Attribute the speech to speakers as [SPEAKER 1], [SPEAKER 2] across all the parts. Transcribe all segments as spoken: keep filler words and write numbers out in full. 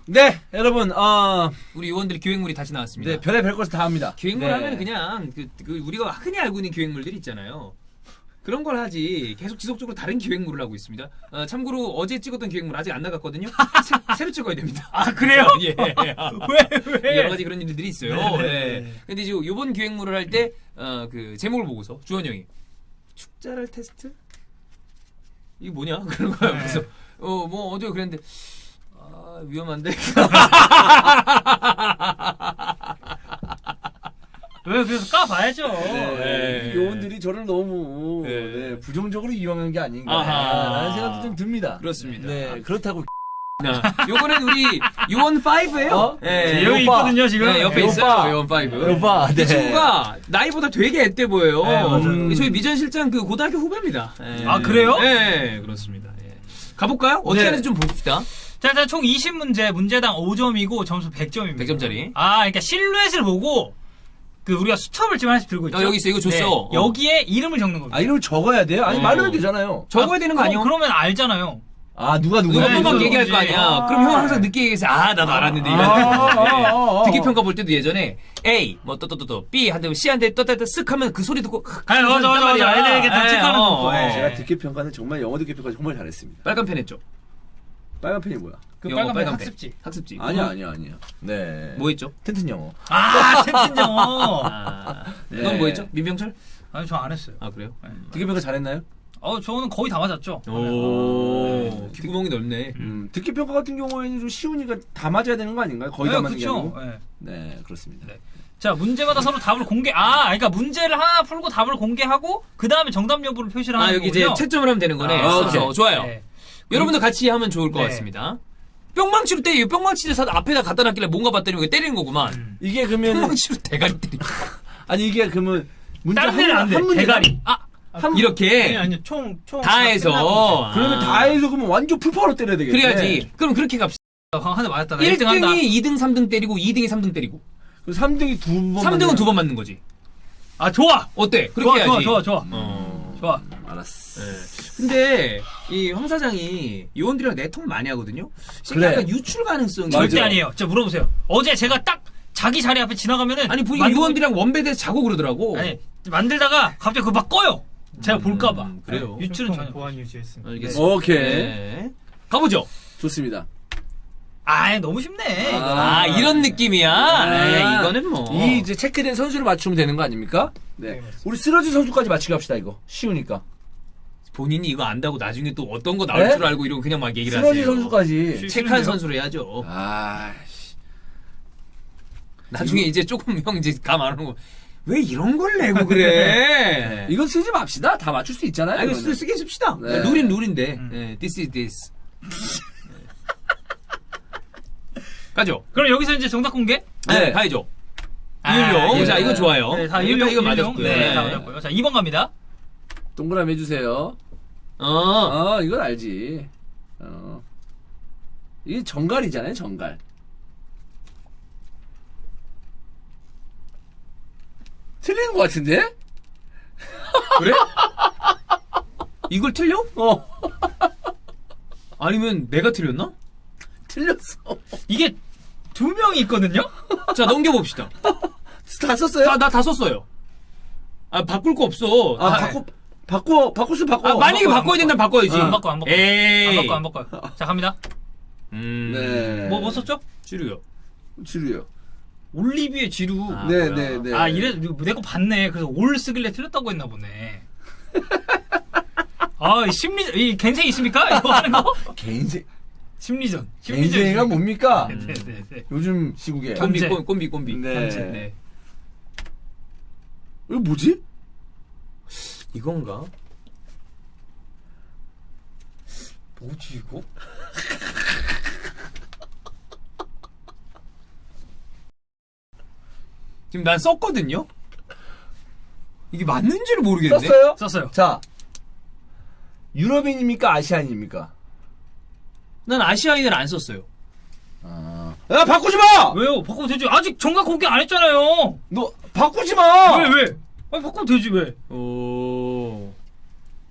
[SPEAKER 1] 네, 여러분, 어,
[SPEAKER 2] 우리 요원들 기획물이 다시 나왔습니다.
[SPEAKER 1] 네, 별의별 것을 다 합니다.
[SPEAKER 2] 기획물
[SPEAKER 1] 네.
[SPEAKER 2] 하면 그냥 그, 그 우리가 흔히 알고 있는 기획물들 있잖아요. 그런 걸 하지 계속 지속적으로 다른 기획물을 하고 있습니다. 어, 참고로 어제 찍었던 기획물 아직 안 나갔거든요. 새, 새로 찍어야 됩니다.
[SPEAKER 3] 아 그래요?
[SPEAKER 2] 예.
[SPEAKER 3] 왜 왜?
[SPEAKER 2] 여러 가지 그런 일들이 있어요.
[SPEAKER 3] 네, 네,
[SPEAKER 2] 예.
[SPEAKER 3] 네.
[SPEAKER 2] 근데 이제 요번 기획물을 할 때 어, 그 제목을 보고서 주원 형이 축자랄 테스트? 이게 뭐냐? 그런 거야.
[SPEAKER 3] 네.
[SPEAKER 2] 그래서 어 뭐 어디요 그랬는데 아 위험한데.
[SPEAKER 3] 왜 그래서 까봐야죠.
[SPEAKER 1] 네,
[SPEAKER 2] 네.
[SPEAKER 1] 이 요원들이 저를 너무
[SPEAKER 2] 네.
[SPEAKER 1] 네, 부정적으로 이용한 게
[SPEAKER 2] 아하.
[SPEAKER 1] 아닌가라는 생각도 좀 듭니다.
[SPEAKER 2] 그렇습니다.
[SPEAKER 1] 네, 그렇다고
[SPEAKER 2] 자, 요거는 우리 요원 파이브예요.
[SPEAKER 1] 어?
[SPEAKER 2] 예,
[SPEAKER 3] 여기
[SPEAKER 1] 오빠.
[SPEAKER 3] 있거든요 지금.
[SPEAKER 2] 네, 옆에
[SPEAKER 1] 네,
[SPEAKER 2] 있어요.
[SPEAKER 1] 오빠.
[SPEAKER 2] 요원 파이브.
[SPEAKER 1] 오빠, 네.
[SPEAKER 2] 이 친구가 나이보다 되게 앳돼 보여요.
[SPEAKER 3] 네, 맞아요.
[SPEAKER 2] 음, 저희 미전 실장 그 고등학교 후배입니다. 예.
[SPEAKER 3] 아, 그래요?
[SPEAKER 2] 네, 그렇습니다. 예. 가볼까요? 어떻게
[SPEAKER 1] 네.
[SPEAKER 2] 하는지 좀 봅시다.
[SPEAKER 3] 자, 일단 총 이십 문제, 문제당 오 점이고 점수 백 점입니다.
[SPEAKER 2] 백 점짜리.
[SPEAKER 3] 아, 그러니까 실루엣을 보고 그 우리가 수첩을 지금 하나씩 들고 있죠.
[SPEAKER 2] 어, 여기 있어. 이거 줬어.
[SPEAKER 3] 네,
[SPEAKER 2] 어.
[SPEAKER 3] 여기에 이름을 적는 겁니다.
[SPEAKER 1] 아, 이름을 적어야 돼요? 아니,
[SPEAKER 2] 어.
[SPEAKER 1] 말로 해도 되잖아요.
[SPEAKER 2] 적어야 되는 거
[SPEAKER 3] 그럼-
[SPEAKER 2] 아니야?
[SPEAKER 3] 그러면 알잖아요.
[SPEAKER 1] 아, 누가 누가.
[SPEAKER 2] 누가
[SPEAKER 3] 네,
[SPEAKER 2] 막
[SPEAKER 3] 있어요.
[SPEAKER 2] 얘기할 거 아니야.
[SPEAKER 3] 아.
[SPEAKER 2] 그럼 형 항상 늦게 얘기해서 아 나도 알았는데
[SPEAKER 1] 아,
[SPEAKER 2] 이런.
[SPEAKER 1] 아, 아, 아.
[SPEAKER 2] 듣기 평가 볼 때도 예전에 A 뭐 또 또 또 또 B 한대 C 한대 떴다 쓱 하면 그 소리 듣고
[SPEAKER 3] 아니, 맞아, 맞아, 맞아. 애들 이렇게 다
[SPEAKER 2] 예,
[SPEAKER 3] 체크하는
[SPEAKER 2] 어,
[SPEAKER 3] 거.
[SPEAKER 2] 예.
[SPEAKER 1] 제가 듣기 평가는 정말 영어 듣기 평가 정말 잘했습니다.
[SPEAKER 2] 빨간 펜 했죠.
[SPEAKER 1] 빨간 펜이 뭐야?
[SPEAKER 3] 그
[SPEAKER 2] 영어
[SPEAKER 3] 빨간
[SPEAKER 2] 빨간
[SPEAKER 3] 펜 학습지.
[SPEAKER 2] 학습지.
[SPEAKER 1] 아니야, 아니야, 아니야. 네.
[SPEAKER 2] 뭐 했죠?
[SPEAKER 1] 튼튼 영어.
[SPEAKER 3] 아, 템튼 영어.
[SPEAKER 2] 아,
[SPEAKER 1] 네.
[SPEAKER 2] 이건 뭐 했죠? 민병철?
[SPEAKER 3] 아니, 저 안 했어요.
[SPEAKER 2] 아 그래요?
[SPEAKER 1] 듣기 평가 잘했나요?
[SPEAKER 3] 어, 저는 거의 다 맞았죠.
[SPEAKER 2] 오, 귓구멍이 넓네.
[SPEAKER 1] 음, 듣기 평가 같은 경우에는 좀 쉬우니까 다 맞아야 되는 거 아닌가요? 거의 다
[SPEAKER 3] 네,
[SPEAKER 1] 맞는 게
[SPEAKER 3] 그쵸.
[SPEAKER 1] 아니고.
[SPEAKER 3] 네.
[SPEAKER 1] 네, 그렇습니다.
[SPEAKER 3] 네. 자, 문제마다 서로 답을 공개, 아, 그러니까 문제를 하나 풀고 답을 공개하고, 그 다음에 정답 여부를 표시를 하는
[SPEAKER 2] 아 여기 이제
[SPEAKER 3] 거군요.
[SPEAKER 2] 채점을 하면 되는 거네.
[SPEAKER 3] 아,
[SPEAKER 2] 써서.
[SPEAKER 1] 오케이.
[SPEAKER 2] 좋아요.
[SPEAKER 3] 네.
[SPEAKER 2] 여러분도 같이 하면 좋을 것
[SPEAKER 3] 네.
[SPEAKER 2] 같습니다. 뿅망치로 때려. 뿅망치를 사 앞에다 갖다 놨길래 뭔가 봤더니 이거 때리는 거구만.
[SPEAKER 3] 음.
[SPEAKER 1] 이게 그러면
[SPEAKER 2] 뿅망치로 대가리 때리고.
[SPEAKER 1] 아니 이게 그러면 문제
[SPEAKER 3] 다른 데는 안 돼.
[SPEAKER 1] 문제당?
[SPEAKER 3] 대가리. 아,
[SPEAKER 1] 한
[SPEAKER 2] 이렇게
[SPEAKER 3] 아니, 아니, 총, 총.
[SPEAKER 2] 다 해서.
[SPEAKER 1] 그러면
[SPEAKER 2] 아.
[SPEAKER 1] 다 해서 그러면 완전 풀파로 때려야 되겠네.
[SPEAKER 2] 그래야지. 그럼 그렇게 갑시다.
[SPEAKER 3] 하나 맞았다. 나 일 등
[SPEAKER 2] 일 등이
[SPEAKER 3] 한다.
[SPEAKER 2] 이 등, 삼 등 때리고 이 등이 삼 등 때리고.
[SPEAKER 1] 그럼 삼 등이 두 번.
[SPEAKER 2] 삼 등은 두 번 맞는 거지.
[SPEAKER 3] 아, 좋아!
[SPEAKER 2] 어때? 그렇게
[SPEAKER 3] 좋아,
[SPEAKER 2] 해야지.
[SPEAKER 3] 좋아, 좋아, 좋아.
[SPEAKER 2] 어.
[SPEAKER 3] 좋아.
[SPEAKER 1] 알았어.
[SPEAKER 2] 예. 근데 이 황 사장이 요원들이랑 내통 많이 하거든요.
[SPEAKER 1] 그래.
[SPEAKER 2] 약간 유출 가능성이
[SPEAKER 3] 절대
[SPEAKER 1] 맞아.
[SPEAKER 3] 아니에요. 자, 물어보세요. 어제 제가 딱 자기 자리 앞에 지나가면은.
[SPEAKER 2] 아니 보니까
[SPEAKER 3] 만들고-
[SPEAKER 2] 요원들이랑 원베드에서 자고 그러더라고.
[SPEAKER 3] 아니, 만들다가 갑자기 그거 막 꺼요. 제가 볼까봐.
[SPEAKER 2] 음, 그래요.
[SPEAKER 3] 네, 유출은 전혀.
[SPEAKER 4] 보안 유지했습니다.
[SPEAKER 2] 알겠습니다.
[SPEAKER 1] 오케이.
[SPEAKER 2] 네. 가보죠.
[SPEAKER 1] 좋습니다.
[SPEAKER 3] 아, 너무 쉽네. 이거.
[SPEAKER 2] 아,
[SPEAKER 1] 아,
[SPEAKER 2] 이런 느낌이야.
[SPEAKER 1] 아,
[SPEAKER 2] 에이, 이거는 뭐.
[SPEAKER 1] 이 이제 체크된 선수를 맞추면 되는 거 아닙니까? 네.
[SPEAKER 4] 네, 맞습니다.
[SPEAKER 1] 우리 쓰러진 선수까지 맞추게 합시다 이거. 쉬우니까.
[SPEAKER 2] 본인이 이거 안다고 나중에 또 어떤 거 나올
[SPEAKER 1] 네?
[SPEAKER 2] 줄 알고 이런 그냥 막 얘기를
[SPEAKER 1] 쓰러진
[SPEAKER 2] 하세요.
[SPEAKER 1] 선수까지.
[SPEAKER 3] 쉬-
[SPEAKER 2] 체크한
[SPEAKER 3] 쉬운데요?
[SPEAKER 2] 선수로 해야죠.
[SPEAKER 1] 아, 씨.
[SPEAKER 2] 나중에 이제 조금 형 이제 감 안 오는 거. 왜 이런 걸 내고 그래?
[SPEAKER 1] 이건 쓰지 맙시다. 다 맞출 수 있잖아요.
[SPEAKER 2] 아, 이거
[SPEAKER 1] 이거는.
[SPEAKER 2] 쓰, 쓰게 씁시다.
[SPEAKER 1] 네.
[SPEAKER 2] 룰인 룰인데.
[SPEAKER 3] 음.
[SPEAKER 2] 네, this is this. 가죠.
[SPEAKER 3] 그럼 여기서 이제 정답 공개?
[SPEAKER 2] 네,
[SPEAKER 1] 네.
[SPEAKER 2] 가야죠.
[SPEAKER 3] 아,
[SPEAKER 2] 이율용.
[SPEAKER 3] 예.
[SPEAKER 2] 자, 이거 좋아요.
[SPEAKER 3] 네, 다
[SPEAKER 2] 이거,
[SPEAKER 3] 일용,
[SPEAKER 2] 이거
[SPEAKER 3] 일용.
[SPEAKER 2] 맞았고요.
[SPEAKER 3] 네,
[SPEAKER 2] 네.
[SPEAKER 3] 다 맞았고요. 자, 이 번 갑니다.
[SPEAKER 1] 동그라미 해주세요.
[SPEAKER 2] 어.
[SPEAKER 1] 어, 이건 알지. 어. 이게 정갈이잖아요, 정갈. 틀리는 것 같은데?
[SPEAKER 2] 그래? 이걸 틀려?
[SPEAKER 1] 어,
[SPEAKER 2] 아니면 내가 틀렸나?
[SPEAKER 1] 틀렸어.
[SPEAKER 3] 이게 두 명이 있거든요?
[SPEAKER 2] 자, 넘겨봅시다.
[SPEAKER 1] 다 썼어요?
[SPEAKER 2] 나, 나 다 썼어요. 아, 바꿀 거 없어.
[SPEAKER 1] 아,
[SPEAKER 2] 다-
[SPEAKER 1] 바꿔, 바꿔, 바꾸면 바꿔.
[SPEAKER 2] 아, 만약에
[SPEAKER 3] 바꿔요,
[SPEAKER 2] 바꿔야 된다면 바꿔야지.
[SPEAKER 3] 안 바꿔, 안 바꿔.
[SPEAKER 2] 에이.
[SPEAKER 3] 안 바꿔, 안 바꿔요. 자, 갑니다.
[SPEAKER 2] 음.
[SPEAKER 1] 네.
[SPEAKER 3] 뭐, 뭐 썼죠?
[SPEAKER 2] 지루요.
[SPEAKER 1] 지루요.
[SPEAKER 3] 올리비의 지루.
[SPEAKER 2] 아,
[SPEAKER 1] 네,
[SPEAKER 2] 뭐야.
[SPEAKER 1] 네, 네.
[SPEAKER 3] 아, 이래, 내 거 봤네. 그래서 올 쓰길래 틀렸다고 했나 보네. 아, 이 심리, 이 겐생 있습니까? 이거 하는 거?
[SPEAKER 1] 개인생,
[SPEAKER 3] 심리전.
[SPEAKER 1] 개인생이가 뭡니까?
[SPEAKER 3] 네, 네, 네, 네.
[SPEAKER 1] 요즘 시국에.
[SPEAKER 2] 꼼비,
[SPEAKER 3] 현재.
[SPEAKER 2] 꼼- 꼼비, 꼼비.
[SPEAKER 1] 네.
[SPEAKER 2] 현재, 네.
[SPEAKER 1] 이거 뭐지?
[SPEAKER 2] 이건가?
[SPEAKER 3] 뭐지, 이거?
[SPEAKER 2] 지금 난 썼거든요? 이게 맞는지를 모르겠네.
[SPEAKER 1] 썼어요?
[SPEAKER 3] 썼어요.
[SPEAKER 1] 자, 유럽인입니까? 아시안입니까?
[SPEAKER 2] 난 아시아인을 안 썼어요.
[SPEAKER 1] 아, 야, 바꾸지 마!
[SPEAKER 3] 왜요? 바꾸면 되지. 아직 정각 공개 안 했잖아요.
[SPEAKER 1] 너, 바꾸지 마!
[SPEAKER 3] 왜, 왜? 아니, 바꾸면 되지, 왜?
[SPEAKER 2] 오.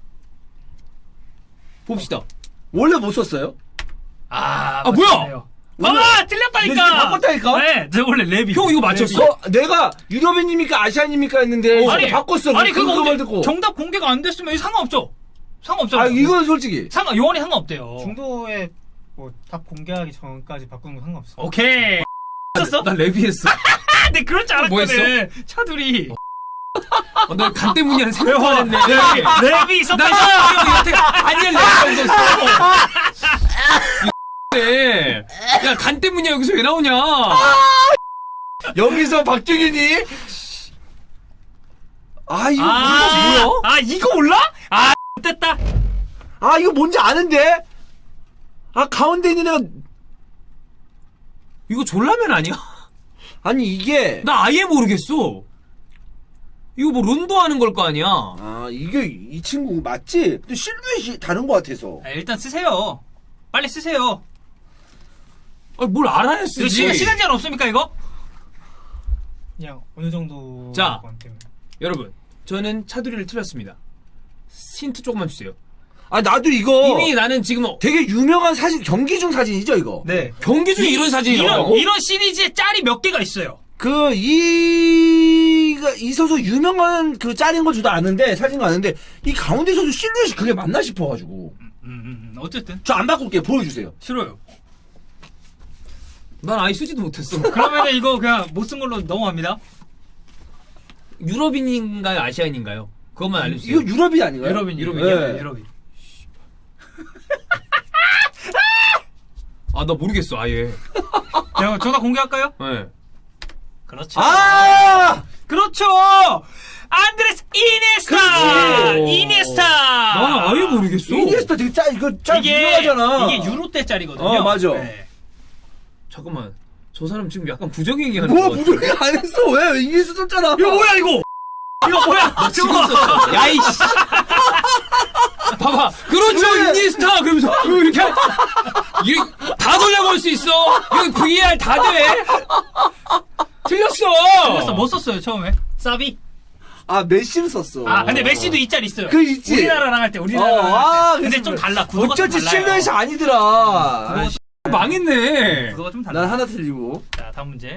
[SPEAKER 2] 봅시다.
[SPEAKER 1] 원래 못 썼어요?
[SPEAKER 3] 아,
[SPEAKER 2] 아, 뭐야?
[SPEAKER 3] 맞네요. 봐봐!
[SPEAKER 1] 근데
[SPEAKER 3] 틀렸다니까!
[SPEAKER 1] 지금 바꿨다니까?
[SPEAKER 3] 네, 저 원래 레비.
[SPEAKER 2] 형 이거 맞췄어?
[SPEAKER 1] 어, 내가 유럽인입니까 아시안입니까 했는데
[SPEAKER 3] 아니,
[SPEAKER 1] 바꿨어.
[SPEAKER 3] 아니,
[SPEAKER 1] 그,
[SPEAKER 3] 그거
[SPEAKER 1] 그거 말
[SPEAKER 3] 근데
[SPEAKER 1] 듣고.
[SPEAKER 3] 정답 공개가 안 됐으면 상관없죠? 상관없잖아.
[SPEAKER 1] 아 이건 솔직히.
[SPEAKER 3] 상관, 요원이 상관없대요.
[SPEAKER 4] 중도에 뭐 답 공개하기 전까지 바꾸는 거 상관없어.
[SPEAKER 3] 오케이. 했었어?
[SPEAKER 2] 나 레비했어.
[SPEAKER 3] 아, 네, 그럴 줄
[SPEAKER 2] 뭐
[SPEAKER 3] 알았거든. 차둘이.
[SPEAKER 2] 어, 너간 때문이야 생각도 안 했네.
[SPEAKER 3] 레비, 레비 있었다.
[SPEAKER 2] 나 이거 아니야 레비 없었어. 네. 야, 간 때문이야 여기서 왜 나오냐?
[SPEAKER 1] 여기서 박정현이 아 이거
[SPEAKER 3] 아,
[SPEAKER 1] 뭐야?
[SPEAKER 3] 아, 이거 몰라? 아, 됐다.
[SPEAKER 1] 아 이거 뭔지 아는데? 아 가운데 있는 애가
[SPEAKER 2] 이거 졸라면 아니야?
[SPEAKER 1] 아니 이게
[SPEAKER 2] 나 아예 모르겠어. 이거 뭐 론도 하는 걸 거 아니야?
[SPEAKER 1] 아 이게 이 친구 맞지? 근데 실루엣이 다른 것 같아서.
[SPEAKER 3] 아, 일단 쓰세요. 빨리 쓰세요.
[SPEAKER 2] 아, 뭘 알아야
[SPEAKER 3] 이거
[SPEAKER 2] 쓰지?
[SPEAKER 3] 시간, 시간 제한 없습니까, 이거?
[SPEAKER 4] 그냥 어느 정도
[SPEAKER 2] 자.
[SPEAKER 4] 건 때문에.
[SPEAKER 2] 여러분, 저는 차두리를 틀렸습니다. 힌트 조금만 주세요.
[SPEAKER 1] 아 나도 이거
[SPEAKER 2] 이미 나는 지금
[SPEAKER 1] 되게 유명한 사진 경기 중 사진이죠 이거.
[SPEAKER 4] 네.
[SPEAKER 2] 경기 중에 이런 사진이
[SPEAKER 3] 이런,
[SPEAKER 2] 나오고?
[SPEAKER 3] 이런 시리즈에 짤이 몇 개가 있어요.
[SPEAKER 1] 그 이가 있어서 유명한 그 짤인 건 저도 아는데 사진도 아는데 이 가운데 있어서 실루엣이 그게 맞나 싶어가지고
[SPEAKER 3] 음, 음, 음. 어쨌든.
[SPEAKER 1] 저 안 바꿀게요. 보여주세요.
[SPEAKER 3] 싫어요.
[SPEAKER 2] 난 아예 쓰지도 못했어.
[SPEAKER 3] 그러면은 이거 그냥 못 쓴 걸로 넘어갑니다.
[SPEAKER 2] 유럽인인가요? 아시안인가요? 그것만 알려주세요.
[SPEAKER 1] 이거 유럽이 아닌가요?
[SPEAKER 3] 유럽인, 유럽인,
[SPEAKER 1] 네.
[SPEAKER 3] 유럽인, 유럽인.
[SPEAKER 2] 아, 나 모르겠어, 아예.
[SPEAKER 3] 자, 정답 공개할까요?
[SPEAKER 2] 네.
[SPEAKER 3] 그렇죠.
[SPEAKER 1] 아!
[SPEAKER 3] 그렇죠! 안드레스 이니에스타!
[SPEAKER 1] 그렇지.
[SPEAKER 3] 이니에스타!
[SPEAKER 2] 나는 아예 모르겠어.
[SPEAKER 1] 이니에스타 되게 짤 이거 짤 유명하잖아.
[SPEAKER 3] 이게 유로 때 짤이거든요.
[SPEAKER 1] 어, 맞아.
[SPEAKER 3] 네.
[SPEAKER 2] 잠깐만. 저 사람 지금 약간 부정행위하는
[SPEAKER 1] 뭐
[SPEAKER 2] 거 같아.
[SPEAKER 1] 무조건 안 했어. 왜 이니에스타 썼잖아.
[SPEAKER 3] 이거 뭐야, 이거? 이거 뭐야?
[SPEAKER 2] 나 지금 썼어. 야, 이씨. 봐봐. 그렇죠,
[SPEAKER 1] 왜?
[SPEAKER 2] 이니에스타. 그러면서 이렇게 할- 이게 다 돌려볼 수 있어. 이거 브이알 다 돼. 틀렸어.
[SPEAKER 3] 그래서 뭐 썼어요, 처음에? 사비?
[SPEAKER 1] 아 메시를 썼어.
[SPEAKER 3] 아, 근데 메시도 이 짤 있어요.
[SPEAKER 1] 그 있지.
[SPEAKER 3] 우리나라랑 할 때, 우리나라랑
[SPEAKER 1] 어,
[SPEAKER 3] 할 때.
[SPEAKER 1] 아,
[SPEAKER 3] 근데
[SPEAKER 1] 그래서
[SPEAKER 3] 좀 달라. 구도가 좀
[SPEAKER 1] 어쩐지
[SPEAKER 3] 달라요.
[SPEAKER 1] 실루엣이 아니더라. 아, 씨.
[SPEAKER 2] 망했네.
[SPEAKER 3] 구도가 좀 달라.
[SPEAKER 1] 난 하나 틀리고.
[SPEAKER 3] 자, 다음 문제.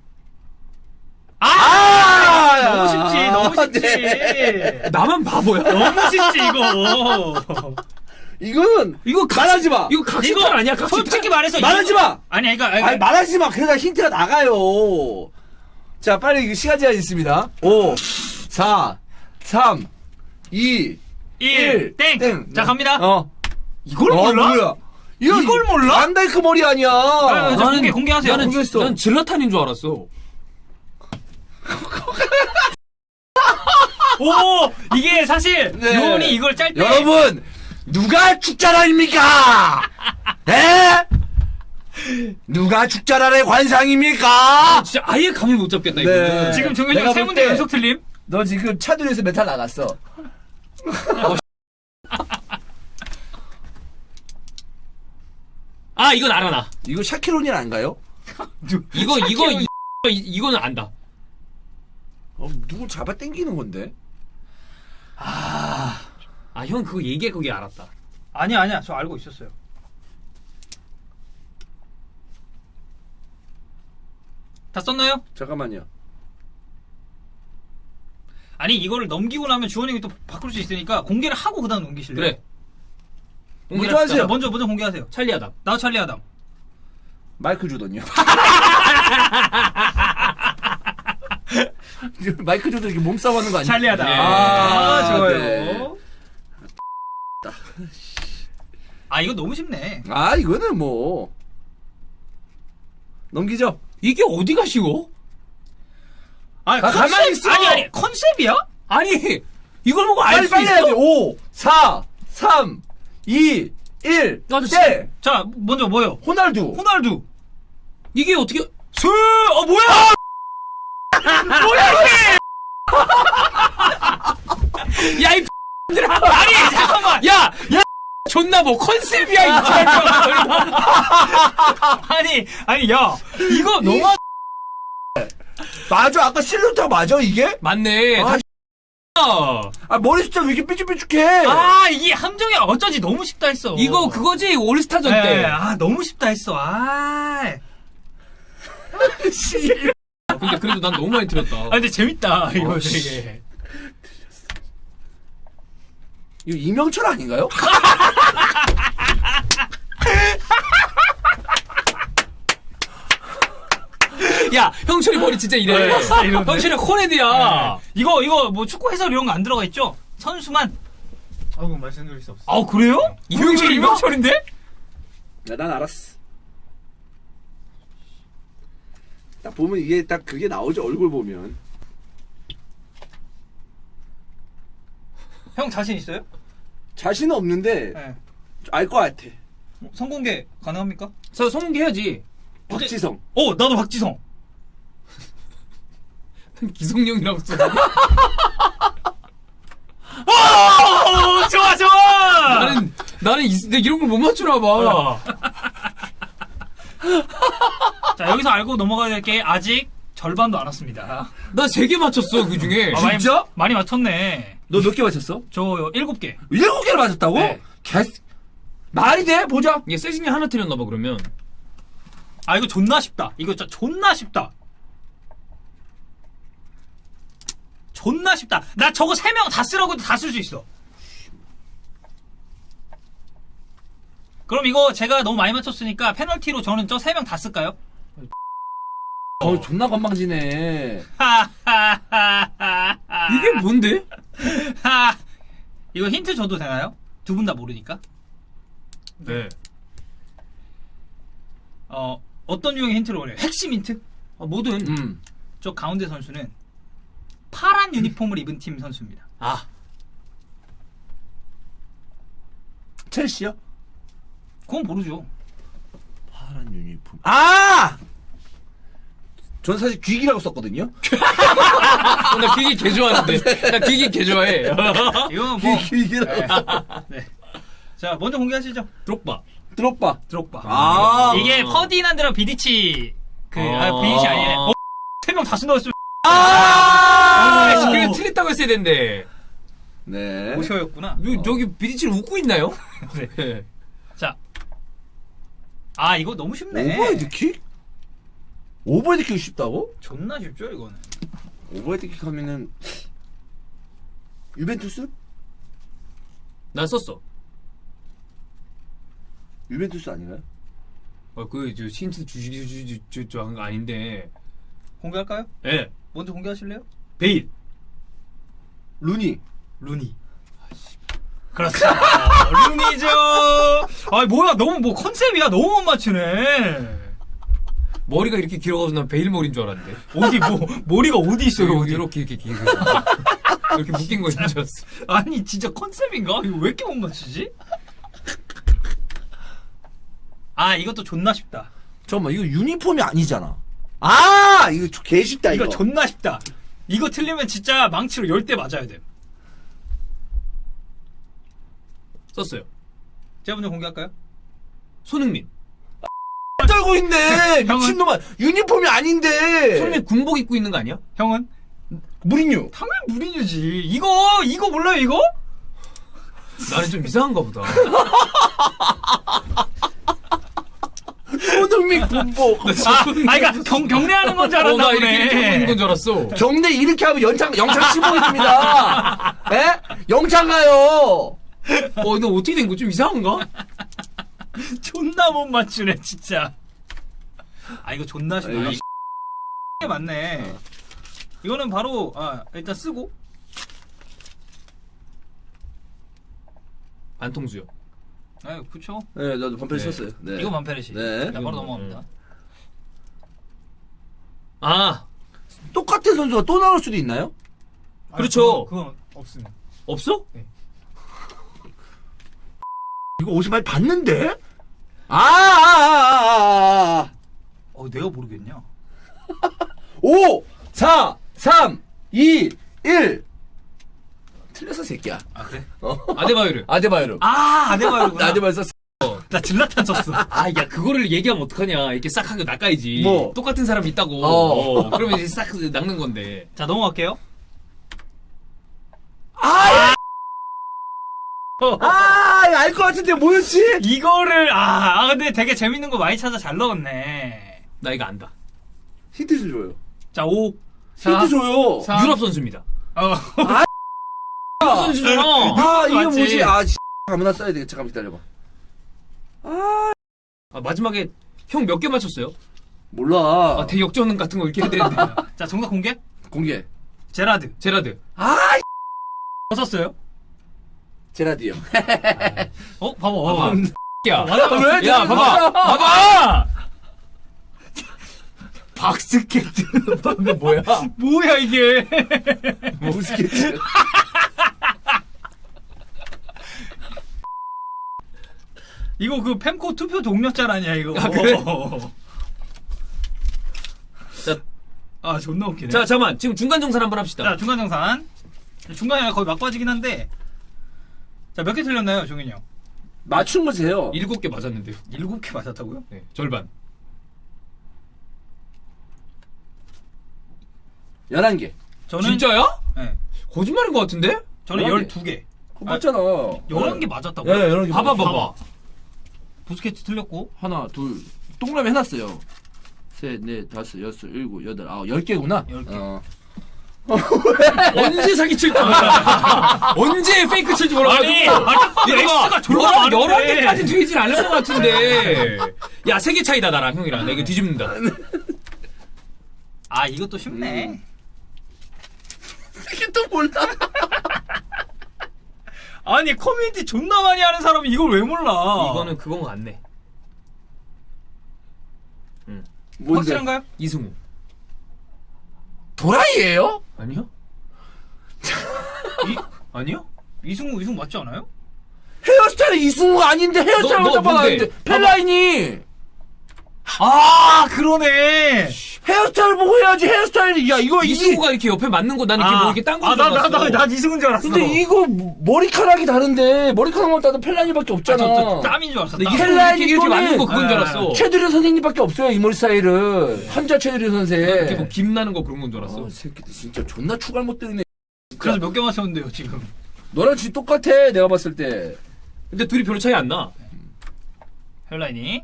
[SPEAKER 3] 아!
[SPEAKER 1] 아!
[SPEAKER 3] 너무 쉽지, 너무 쉽지.
[SPEAKER 1] 네.
[SPEAKER 2] 나만 바보야.
[SPEAKER 3] 너무 쉽지, 이거.
[SPEAKER 1] 이거는
[SPEAKER 2] 이거 각-
[SPEAKER 1] 말하지 마.
[SPEAKER 2] 이거 각시탈 아니야? 각시탈.
[SPEAKER 3] 솔직히 말해서.
[SPEAKER 1] 말하지
[SPEAKER 3] 이거-
[SPEAKER 1] 마.
[SPEAKER 3] 아니, 그러니까. 아니,
[SPEAKER 1] 아니 말하지 마. 그러다 힌트가 나가요. 자, 빨리 이거 시간 제한 있습니다. 오, 사, 삼, 이,
[SPEAKER 3] 일, 땡.
[SPEAKER 1] 땡.
[SPEAKER 3] 자, 갑니다.
[SPEAKER 1] 어.
[SPEAKER 3] 이걸
[SPEAKER 1] 어,
[SPEAKER 3] 몰라?
[SPEAKER 1] 뭐야? 이거
[SPEAKER 3] 이걸 몰라?
[SPEAKER 1] 반다이크 머리 아니야.
[SPEAKER 3] 아, 자, 공개, 공개하세요.
[SPEAKER 2] 나는,
[SPEAKER 1] 공개했어.
[SPEAKER 2] 난 질라탄인 줄 알았어.
[SPEAKER 3] 오! 이게 사실,
[SPEAKER 1] 네.
[SPEAKER 3] 요원이 이걸 짤 때.
[SPEAKER 1] 여러분, 누가 축자랄입니까? 에? 누가 축자랄의 관상입니까?
[SPEAKER 2] 진짜 아예 감을 못 잡겠다, 이거.
[SPEAKER 1] 네.
[SPEAKER 3] 지금 정현이
[SPEAKER 1] 내가
[SPEAKER 3] 형 세
[SPEAKER 1] 볼
[SPEAKER 3] 문제
[SPEAKER 1] 때-
[SPEAKER 3] 연속 틀림?
[SPEAKER 1] 너 지금 차들에서 메탈 나갔어.
[SPEAKER 2] 아, 이건 알아, 나.
[SPEAKER 1] 이거 샤키로니 아닌가요?
[SPEAKER 2] 이거, 이거, 이, 이- 이거는 안다.
[SPEAKER 1] 어, 누구 잡아 당기는 건데?
[SPEAKER 2] 아, 형 그거 얘기해, 그게 알았다.
[SPEAKER 3] 아니야, 아니야. 저 알고 있었어요. 다 썼나요?
[SPEAKER 1] 잠깐만요.
[SPEAKER 3] 아니, 이거를 넘기고 나면 주원이 형이 또 바꿀 수 있으니까 공개를 하고 그 다음 넘기실래요?
[SPEAKER 2] 그래.
[SPEAKER 1] 먼저 하세요.
[SPEAKER 3] 자, 먼저, 먼저 공개하세요.
[SPEAKER 2] 찰리 아담.
[SPEAKER 3] 나도 찰리 아담.
[SPEAKER 1] 마이클 조던요. 마이클 조던 이렇게 몸싸움 하는 거 아니야?
[SPEAKER 3] 찰리 아담.
[SPEAKER 2] 예.
[SPEAKER 3] 아, 좋아요.
[SPEAKER 1] 네.
[SPEAKER 3] 아, 이거 너무 쉽네.
[SPEAKER 1] 아, 이거는 뭐. 넘기죠?
[SPEAKER 2] 이게 어디가 쉬워?
[SPEAKER 3] 아니,
[SPEAKER 1] 아, 가만히 있어.
[SPEAKER 3] 아니, 아니, 컨셉이야?
[SPEAKER 2] 아니, 이걸 보고 알
[SPEAKER 1] 빨리
[SPEAKER 2] 수
[SPEAKER 1] 빨리 해야 돼.
[SPEAKER 2] 있어?
[SPEAKER 1] 오, 사, 삼, 이, 일.
[SPEAKER 2] 나도
[SPEAKER 1] 때.
[SPEAKER 3] 자, 먼저 뭐요?
[SPEAKER 1] 호날두.
[SPEAKER 3] 호날두.
[SPEAKER 2] 이게 어떻게,
[SPEAKER 3] 스, 어, 뭐야? 뭐야, 이게?
[SPEAKER 2] 야, 이 들아
[SPEAKER 3] 아니, 잠깐만.
[SPEAKER 2] 야, 야, 존나 뭐 컨셉이야, 이
[SPEAKER 3] 아니, 아니, 야, 이거 너무
[SPEAKER 1] 맞아. 아까 실루타 맞아, 이게?
[SPEAKER 2] 맞네.
[SPEAKER 1] 아,
[SPEAKER 2] 다시
[SPEAKER 1] 아, 머리 숫자 왜 이렇게 삐죽삐죽해?
[SPEAKER 3] 아, 이게 함정이 어쩐지 너무 쉽다 했어.
[SPEAKER 2] 이거 그거지 올스타전
[SPEAKER 3] 네,
[SPEAKER 2] 때.
[SPEAKER 3] 아, 너무 쉽다 했어. 아.
[SPEAKER 1] 씨.
[SPEAKER 2] 근데 그래도 난 너무 많이 틀렸다.
[SPEAKER 3] 아, 근데 재밌다. 이거
[SPEAKER 1] 어,
[SPEAKER 3] 되게.
[SPEAKER 1] 이거 이명철 아닌가요?
[SPEAKER 2] 야, 형철이 머리 진짜 이래.
[SPEAKER 3] 네, 진짜 이런데?
[SPEAKER 2] 형철이 코레드야.
[SPEAKER 3] 이거, 이거 뭐 축구 해설 이런 거 안 들어가 있죠? 선수만.
[SPEAKER 4] 아이고 말씀드릴 수 없어.
[SPEAKER 3] 아, 그래요?
[SPEAKER 2] 이명철, 이명철인데?
[SPEAKER 1] 야, 난 알았어. 딱 보면 이게 딱 그게 나오죠, 얼굴 보면.
[SPEAKER 3] 형 자신 있어요?
[SPEAKER 1] 자신은 없는데,
[SPEAKER 3] 네.
[SPEAKER 1] 알 것 같아.
[SPEAKER 3] 성공개 가능합니까?
[SPEAKER 2] 저 성공개 해야지.
[SPEAKER 1] 박지성.
[SPEAKER 3] 어, 나도 박지성.
[SPEAKER 2] 기성용이라고 써.
[SPEAKER 3] 오, 좋아, 좋아!
[SPEAKER 2] 나는, 나는 이, 내 이런 걸 못 맞추나 봐.
[SPEAKER 3] 어. 자, 여기서 알고 넘어가야 될 게 아직 절반도 안 왔습니다.
[SPEAKER 2] 나 세 개 맞췄어, 그 중에.
[SPEAKER 3] 아, 많이,
[SPEAKER 1] 진짜?
[SPEAKER 3] 많이 맞췄네.
[SPEAKER 1] 너 몇 개 맞췄어?
[SPEAKER 3] 저 일곱 개.
[SPEAKER 1] 일곱 개를 맞췄다고?
[SPEAKER 3] 네.
[SPEAKER 1] 개, 말이 돼? 보자.
[SPEAKER 2] 이게 세징이 하나 틀렸나봐, 그러면.
[SPEAKER 3] 아, 이거 존나 쉽다. 이거 진짜 존나 쉽다. 존나 쉽다. 나 저거 세 명 다 쓰라고 해도 다 쓸 수 있어. 그럼 이거 제가 너무 많이 맞췄으니까 페널티로 저는 저 세 명 다 쓸까요?
[SPEAKER 1] 어, 존나 건방지네.
[SPEAKER 3] 하하하하.
[SPEAKER 2] 이게 뭔데?
[SPEAKER 3] 하. 이거 힌트 줘도 되나요? 두 분 다 모르니까.
[SPEAKER 2] 네.
[SPEAKER 3] 어, 어떤 유형의 힌트를 원해요? 핵심 힌트?
[SPEAKER 2] 아, 뭐든.
[SPEAKER 1] 음.
[SPEAKER 3] 저 가운데 선수는 파란 유니폼을 입은 팀 선수입니다.
[SPEAKER 2] 아.
[SPEAKER 1] 첼시요?
[SPEAKER 3] 그건 모르죠.
[SPEAKER 1] 파란 유니폼. 아! 전 사실 귀기라고 썼거든요.
[SPEAKER 2] 어, 나 귀기 개 좋아하는데. 나 귀기 개 좋아해.
[SPEAKER 3] 이건 뭐.
[SPEAKER 1] 귀기라고.
[SPEAKER 3] 네. 자, 먼저 공개하시죠.
[SPEAKER 2] 드록바.
[SPEAKER 1] 드롭바.
[SPEAKER 3] 드록바.
[SPEAKER 1] 아.
[SPEAKER 3] 이게 퍼디난드랑 비디치 그 아,
[SPEAKER 2] 아.
[SPEAKER 3] 비디치 아니네. 어, 세 명 다 쓴다고
[SPEAKER 1] 아!
[SPEAKER 2] 아, 그래 틀렸다고 했어야 되는데.
[SPEAKER 1] 네.
[SPEAKER 3] 오셔였구나.
[SPEAKER 2] 요, 저기 비디치를 웃고 있나요? 네.
[SPEAKER 3] 자. 아, 이거 너무 쉽네.
[SPEAKER 1] 오버헤드킥? 오버헤드킥이 쉽다고?
[SPEAKER 3] 존나 쉽죠, 이거는.
[SPEAKER 1] 오버헤드킥 하면은 유벤투스?
[SPEAKER 2] 난 썼어.
[SPEAKER 1] 유벤투스 아닌가요?
[SPEAKER 2] 어, 그, 저, 힌트 주시, 주시, 주, 저, 저, 아닌데.
[SPEAKER 3] 공개할까요?
[SPEAKER 2] 예. 네.
[SPEAKER 3] 먼저 공개하실래요?
[SPEAKER 2] 베일.
[SPEAKER 1] 루니.
[SPEAKER 3] 루니. 그렇죠. 루니죠. 아, 뭐야, 너무 뭐 컨셉이야. 너무 못 맞추네.
[SPEAKER 2] 머리가 이렇게 길어가지고 난 베일 머리인 줄 알았는데.
[SPEAKER 3] 어디 뭐 머리가 어디 있어요?
[SPEAKER 2] 여기
[SPEAKER 3] 어디?
[SPEAKER 2] 이렇게, 이렇게 길게. 이렇게 묶인 거인 줄 알았어.
[SPEAKER 3] 아니 진짜 컨셉인가? 이거 왜 이렇게 못 맞추지? 아, 이것도 존나 쉽다.
[SPEAKER 1] 잠깐만, 이거 유니폼이 아니잖아. 아! 이거 개 쉽다, 이거.
[SPEAKER 3] 이거 존나 쉽다. 이거 틀리면 진짜 망치로 열 대 맞아야 돼.
[SPEAKER 2] 썼어요.
[SPEAKER 3] 제가 먼저 공개할까요?
[SPEAKER 2] 손흥민.
[SPEAKER 1] 떨고 있네!
[SPEAKER 3] 형은-
[SPEAKER 1] 미친놈아! 유니폼이 아닌데!
[SPEAKER 2] 손흥민 군복 입고 있는 거 아니야?
[SPEAKER 3] 형은?
[SPEAKER 1] 무리뉴.
[SPEAKER 3] 당연히 무리뉴지. 이거 이거 몰라요 이거?
[SPEAKER 2] 나는 좀 이상한가 보다.
[SPEAKER 1] 손흥민 군복.
[SPEAKER 3] 아, 아 그러니까 경, 경례하는 건 줄
[SPEAKER 2] 어,
[SPEAKER 3] 알았나
[SPEAKER 2] 나 이렇게 이렇게 하고 있는
[SPEAKER 3] 보네.
[SPEAKER 2] 건 줄 알았어.
[SPEAKER 1] 경례 이렇게 하면 연장, 영창 칠봉입니다. 에? 영창 가요!
[SPEAKER 2] 어, 너 어떻게 된 거 좀 이상한가?
[SPEAKER 3] 존나 못 맞추네 진짜. 아 이거 존나 쉽다.
[SPEAKER 1] 아,
[SPEAKER 3] 이게 맞네. 이거는 바로 아 일단 쓰고.
[SPEAKER 2] 안통수요.
[SPEAKER 3] 아 그쵸.
[SPEAKER 1] 네, 나도 반패
[SPEAKER 2] 네.
[SPEAKER 1] 썼어요. 네.
[SPEAKER 3] 이거 만페르시.
[SPEAKER 1] 네.
[SPEAKER 3] 자, 바로 넘어갑니다.
[SPEAKER 2] 아,
[SPEAKER 1] 똑같은 선수가 또 나올 수도 있나요?
[SPEAKER 2] 그렇죠.
[SPEAKER 4] 그건, 그건 없습니다.
[SPEAKER 2] 없어?
[SPEAKER 1] 이거 어디서 많이 봤는데? 아, 아, 아, 아, 아.
[SPEAKER 3] 어 내가 모르겠냐.
[SPEAKER 1] 오, 사, 삼, 이, 일. 틀렸어, 새끼야.
[SPEAKER 3] 아 그래?
[SPEAKER 2] 아데바요르.
[SPEAKER 1] 아데바요르.
[SPEAKER 3] 아 아데바요르구나.
[SPEAKER 1] 아데바요르 썼어.
[SPEAKER 3] 나 질라탄 썼어.
[SPEAKER 2] 아, 야, 그거를 얘기하면 어떡하냐. 이렇게 싹 하고 낚아야지.
[SPEAKER 1] 뭐?
[SPEAKER 2] 똑같은 사람이 있다고.
[SPEAKER 1] 어.
[SPEAKER 2] 어, 그러면 이제 싹 낚는 건데.
[SPEAKER 3] 자 넘어갈게요.
[SPEAKER 1] 아, 아, 알 것 같은데 뭐였지?
[SPEAKER 3] 이거를 아, 아 근데 되게 재밌는 거 많이 찾아 잘 넣었네.
[SPEAKER 2] 나 이거 안다.
[SPEAKER 1] 힌트 좀 줘요.
[SPEAKER 3] 자, 오.
[SPEAKER 1] 힌트 줘요.
[SPEAKER 3] 사.
[SPEAKER 2] 유럽 선수입니다.
[SPEAKER 3] 어.
[SPEAKER 2] 유럽 선수잖아.
[SPEAKER 1] 아, 이게
[SPEAKER 3] 맞지?
[SPEAKER 1] 뭐지? 아, 씨, 아무나 써야 되겠다. 잠깐 기다려봐.
[SPEAKER 2] 아, 마지막에 형 몇 개 맞췄어요?
[SPEAKER 1] 몰라.
[SPEAKER 2] 아, 대역전 같은 거 이렇게 해야 되는데.
[SPEAKER 3] 자, 정답 공개?
[SPEAKER 1] 공개.
[SPEAKER 3] 제라드.
[SPEAKER 2] 제라드.
[SPEAKER 1] 아,
[SPEAKER 3] 뭐 썼어요?
[SPEAKER 1] 제라디요.
[SPEAKER 3] 어, 봐봐.
[SPEAKER 2] 봐봐.
[SPEAKER 3] 어.
[SPEAKER 2] 야,
[SPEAKER 1] 왜?
[SPEAKER 2] 야, 봐봐. 봐봐. 박스케트. 방금 뭐야?
[SPEAKER 3] 뭐야 이게?
[SPEAKER 1] 무스케트.
[SPEAKER 3] 이거 그 펜코 투표 동력자 아니야 이거?
[SPEAKER 2] 아, 그래? 자,
[SPEAKER 3] 아 존나 웃기네.
[SPEAKER 2] 자, 잠깐만. 지금 중간 정산 한번 합시다.
[SPEAKER 3] 자, 중간 정산. 중간에 거의 막바지긴 한데. 자, 몇 개 틀렸나요, 종현이 형?
[SPEAKER 1] 맞춘 거세요.
[SPEAKER 2] 일곱 개 맞았는데요.
[SPEAKER 3] 일곱 개 맞았다고요?
[SPEAKER 2] 네, 절반.
[SPEAKER 1] 열한 개.
[SPEAKER 3] 저는
[SPEAKER 2] 진짜야?
[SPEAKER 3] 네.
[SPEAKER 2] 거짓말인 것 같은데?
[SPEAKER 3] 저는
[SPEAKER 1] 열한 개.
[SPEAKER 3] 열두 개.
[SPEAKER 1] 그거 맞잖아.
[SPEAKER 3] 열한 개 맞았다고요?
[SPEAKER 1] 예, 열한 개.
[SPEAKER 2] 봐봐,
[SPEAKER 1] 맞았어.
[SPEAKER 2] 봐봐.
[SPEAKER 3] 부스케트 틀렸고.
[SPEAKER 1] 하나, 둘. 동그라미 해놨어요. 셋, 넷, 다섯, 여섯, 일곱, 여덟, 아홉, 열 개구나.
[SPEAKER 3] 열 개.
[SPEAKER 1] 어.
[SPEAKER 2] 언제 사기칠지 몰라. 언제 페이크 칠지 몰라.
[SPEAKER 3] 아니, 아니, X가 졸라
[SPEAKER 2] 열한,
[SPEAKER 3] 많은데.
[SPEAKER 2] 열한 개까지 되진 않을 것 같은데. 야, 세 개 차이다, 나랑 형이랑. 나 이거 뒤집는다.
[SPEAKER 3] 아, 이것도 쉽네.
[SPEAKER 1] 이게 또 몰라.
[SPEAKER 3] 아니, 커뮤니티 존나 많이 하는 사람이 이걸 왜 몰라?
[SPEAKER 2] 이거는 그건 것 같네.
[SPEAKER 1] 뭔데?
[SPEAKER 3] 확실한가요?
[SPEAKER 2] 이승우.
[SPEAKER 1] 도라이예요?
[SPEAKER 2] 아니요? 이, 아니요?
[SPEAKER 3] 이승우, 이승우 맞지 않아요?
[SPEAKER 1] 헤어스타일이 이승우가 아닌데 헤어스타일만
[SPEAKER 2] 너- 너
[SPEAKER 1] 잡아놨는데
[SPEAKER 2] 뭔데?
[SPEAKER 1] 펠라인이
[SPEAKER 3] 아, 그러네.
[SPEAKER 1] 헤어스타일 보고 해야지. 헤어스타일. 야, 이거 이
[SPEAKER 2] 이승우가 이렇게 옆에 맞는 거 나는 이렇게 뭐 이렇게 딴거
[SPEAKER 3] 아, 나, 나,
[SPEAKER 2] 들어갔어.
[SPEAKER 3] 나, 나 이승우인 줄 알았어.
[SPEAKER 1] 근데 이거 머리카락이 다른데 머리카락만 따도 펠라인이밖에
[SPEAKER 3] 아,
[SPEAKER 1] 없잖아.
[SPEAKER 3] 저, 저, 땀인 줄 알았어.
[SPEAKER 2] 근데
[SPEAKER 3] 땀.
[SPEAKER 2] 이승우
[SPEAKER 1] 헬라인이
[SPEAKER 2] 이렇게, 이렇게
[SPEAKER 1] 또는-
[SPEAKER 2] 맞는 거 그건 줄
[SPEAKER 3] 아,
[SPEAKER 2] 알았어.
[SPEAKER 1] 최두리 선생님밖에 없어요. 이 머리 스타일은. 한자 최두리 선생.
[SPEAKER 2] 이렇게 뭐 김 나는 거 그런 건 줄 알았어.
[SPEAKER 1] 아, 새끼들 진짜 존나 추갈 못 때리네.
[SPEAKER 3] 그래서 몇 개 맞췄는데요, 지금.
[SPEAKER 1] 너랑 진짜 똑같아. 내가 봤을 때.
[SPEAKER 2] 근데 둘이 별로 차이 안 나.
[SPEAKER 3] 헬라인이.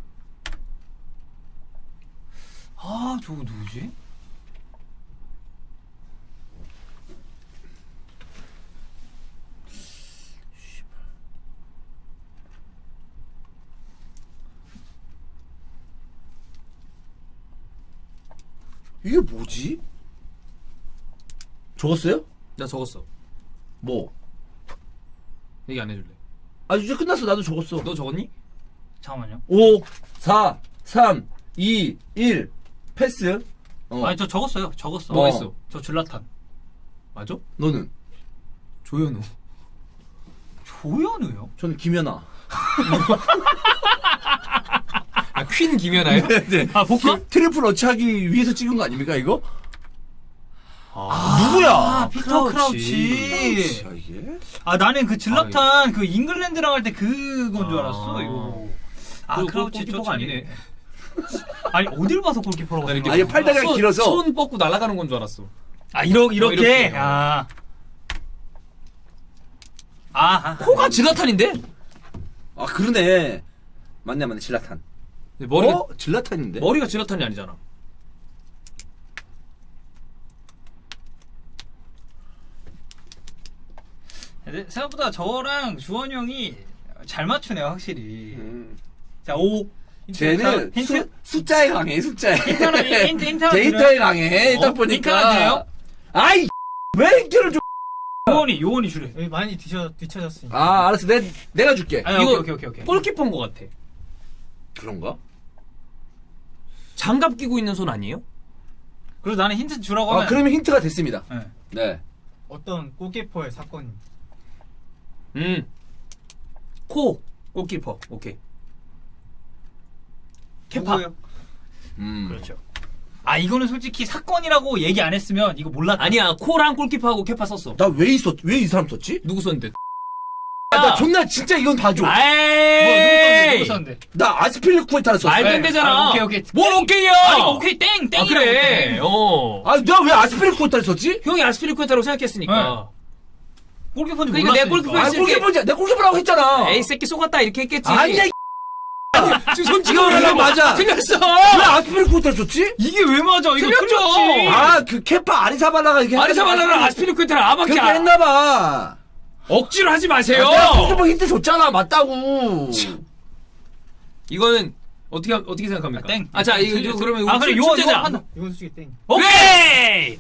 [SPEAKER 3] 아, 저거 누구지?
[SPEAKER 1] 이게 뭐지? 적었어요?
[SPEAKER 2] 나 적었어.
[SPEAKER 1] 뭐?
[SPEAKER 2] 얘기 안 해줄래?
[SPEAKER 1] 아, 이제 끝났어. 나도 적었어.
[SPEAKER 2] 너 적었니?
[SPEAKER 3] 잠깐만요.
[SPEAKER 1] 오, 사, 삼, 이, 일. 패스. 어.
[SPEAKER 3] 아니, 저 적었어요. 적었어.
[SPEAKER 2] 뭐가
[SPEAKER 1] 어.
[SPEAKER 2] 있어?
[SPEAKER 3] 저 줄라탄.
[SPEAKER 2] 맞아?
[SPEAKER 1] 너는?
[SPEAKER 2] 조현우.
[SPEAKER 3] 조현우요?
[SPEAKER 1] 저는 김연아.
[SPEAKER 2] 아, 퀸 김연아요?
[SPEAKER 1] 네.
[SPEAKER 3] 아, 복귀?
[SPEAKER 1] 트리플 어치하기 위해서 찍은 거 아닙니까, 이거?
[SPEAKER 2] 아,
[SPEAKER 1] 누구야?
[SPEAKER 3] 아, 피터
[SPEAKER 2] 크라우치.
[SPEAKER 3] 크라우치.
[SPEAKER 1] 아, 이게?
[SPEAKER 3] 아, 나는 그 질라탄 그 잉글랜드랑 할 때 그건 줄 알았어,
[SPEAKER 2] 아.
[SPEAKER 3] 이거. 아,
[SPEAKER 2] 그
[SPEAKER 3] 크라우치
[SPEAKER 2] 골키퍼가
[SPEAKER 3] 쫓아내.
[SPEAKER 2] 아니네.
[SPEAKER 3] 아니, 어딜 봐서 골키퍼라고
[SPEAKER 2] 난 이렇게
[SPEAKER 1] 아, 이게 팔다리가
[SPEAKER 2] 손-
[SPEAKER 1] 길어서.
[SPEAKER 2] 손 뻗고 날아가는 건 줄 알았어.
[SPEAKER 3] 아, 이러, 이렇게?
[SPEAKER 2] 이렇게.
[SPEAKER 3] 아. 아, 아.
[SPEAKER 2] 코가 질라탄인데?
[SPEAKER 1] 아, 그러네. 맞네, 맞네. 질라탄.
[SPEAKER 2] 머리가,
[SPEAKER 1] 어? 질라탄인데?
[SPEAKER 2] 머리가 질라탄이 아니잖아.
[SPEAKER 3] 근데 생각보다 저랑 주원이 형이 잘 맞추네요, 확실히.
[SPEAKER 1] 음.
[SPEAKER 3] 자, 오. 힌트,
[SPEAKER 1] 쟤는
[SPEAKER 3] 힌트?
[SPEAKER 1] 수, 숫자에 강해, 숫자에.
[SPEAKER 3] 힌트 하나, 힌트, 힌트 하나
[SPEAKER 1] 데이터에
[SPEAKER 3] 드려요?
[SPEAKER 1] 강해. 딱
[SPEAKER 3] 어?
[SPEAKER 1] 보니까.
[SPEAKER 3] 힌트 하나 드려요?
[SPEAKER 1] 아이, 왜 힌트를 줘?
[SPEAKER 3] 요원이, 요원이 주래.
[SPEAKER 4] 여기 많이 뒤쳐, 뒤쳐졌으니까.
[SPEAKER 1] 아, 알았어. 내, 내가 줄게.
[SPEAKER 3] 아니,
[SPEAKER 2] 이거
[SPEAKER 3] 오케이, 오케이, 오케이.
[SPEAKER 2] 골키퍼인 것 같아.
[SPEAKER 1] 그런가?
[SPEAKER 2] 장갑 끼고 있는 손 아니에요?
[SPEAKER 3] 그래서 나는 힌트 주라고
[SPEAKER 1] 아,
[SPEAKER 3] 하면.
[SPEAKER 1] 그러면 힌트가 됐습니다.
[SPEAKER 3] 네.
[SPEAKER 1] 네.
[SPEAKER 4] 어떤 골키퍼의 사건이.
[SPEAKER 2] 음. 코. 골키퍼. 오케이. 케파.
[SPEAKER 3] 누구예요?
[SPEAKER 1] 음.
[SPEAKER 3] 그렇죠. 아, 이거는 솔직히 사건이라고 얘기 안 했으면 이거 몰랐다.
[SPEAKER 2] 아니야, 코랑 골키퍼하고 케파 썼어.
[SPEAKER 1] 나 왜 있었, 왜 이 사람 썼지?
[SPEAKER 2] 누구 썼는데?
[SPEAKER 1] 아, 나 존나 진짜 이건 봐줘.
[SPEAKER 3] 뭐,
[SPEAKER 2] 아이!
[SPEAKER 3] 누구 썼는데?
[SPEAKER 1] 나 아스필리쿠에타를 썼어.
[SPEAKER 2] 말도 안
[SPEAKER 3] 네.
[SPEAKER 2] 되잖아.
[SPEAKER 3] 아, 오케이, 오케이.
[SPEAKER 2] 뭘 오케이야?
[SPEAKER 3] 아니, 오케이, 땡! 땡!
[SPEAKER 2] 아, 그래. 어.
[SPEAKER 1] 아, 내가 왜 아스필리쿠에타를 썼지?
[SPEAKER 2] 형이 아스피리쿠에타라고 생각했으니까.
[SPEAKER 3] 골키퍼인지
[SPEAKER 2] 그러니까 내가
[SPEAKER 3] 몰랐으니까.
[SPEAKER 2] 골키퍼
[SPEAKER 1] 아,
[SPEAKER 2] 했을 때-
[SPEAKER 1] 골키퍼지. 내 골키퍼라고 했잖아.
[SPEAKER 2] 에이 새끼 속았다 이렇게 했겠지.
[SPEAKER 1] 아니야.
[SPEAKER 2] 지금 손
[SPEAKER 1] 이거
[SPEAKER 2] 찍어보려고
[SPEAKER 1] 맞아.
[SPEAKER 2] 틀렸어.
[SPEAKER 1] 왜 아스피리쿠에타 썼지?
[SPEAKER 3] 이게 왜 맞아? 이거
[SPEAKER 2] 틀렸죠.
[SPEAKER 3] 틀렸지.
[SPEAKER 1] 아, 그 케파 아리사발라가 이게
[SPEAKER 2] 아리사발라랑 아스피리쿠에타랑 아밖에
[SPEAKER 1] 그렇게
[SPEAKER 2] 안-
[SPEAKER 1] 했나봐.
[SPEAKER 2] 억지로 하지 마세요.
[SPEAKER 1] 내가 골키퍼 힌트 줬잖아. 맞다고.
[SPEAKER 2] 이거는 어떻게 어떻게 생각합니까?
[SPEAKER 3] 아, 땡.
[SPEAKER 2] 아, 자, 이거,
[SPEAKER 3] 틀렸어.
[SPEAKER 2] 이거 그러면
[SPEAKER 3] 아, 그래,
[SPEAKER 2] 출-
[SPEAKER 3] 요거,
[SPEAKER 2] 출제자.
[SPEAKER 3] 요거 판단.
[SPEAKER 4] 이건 솔직히 땡.
[SPEAKER 3] 오케이!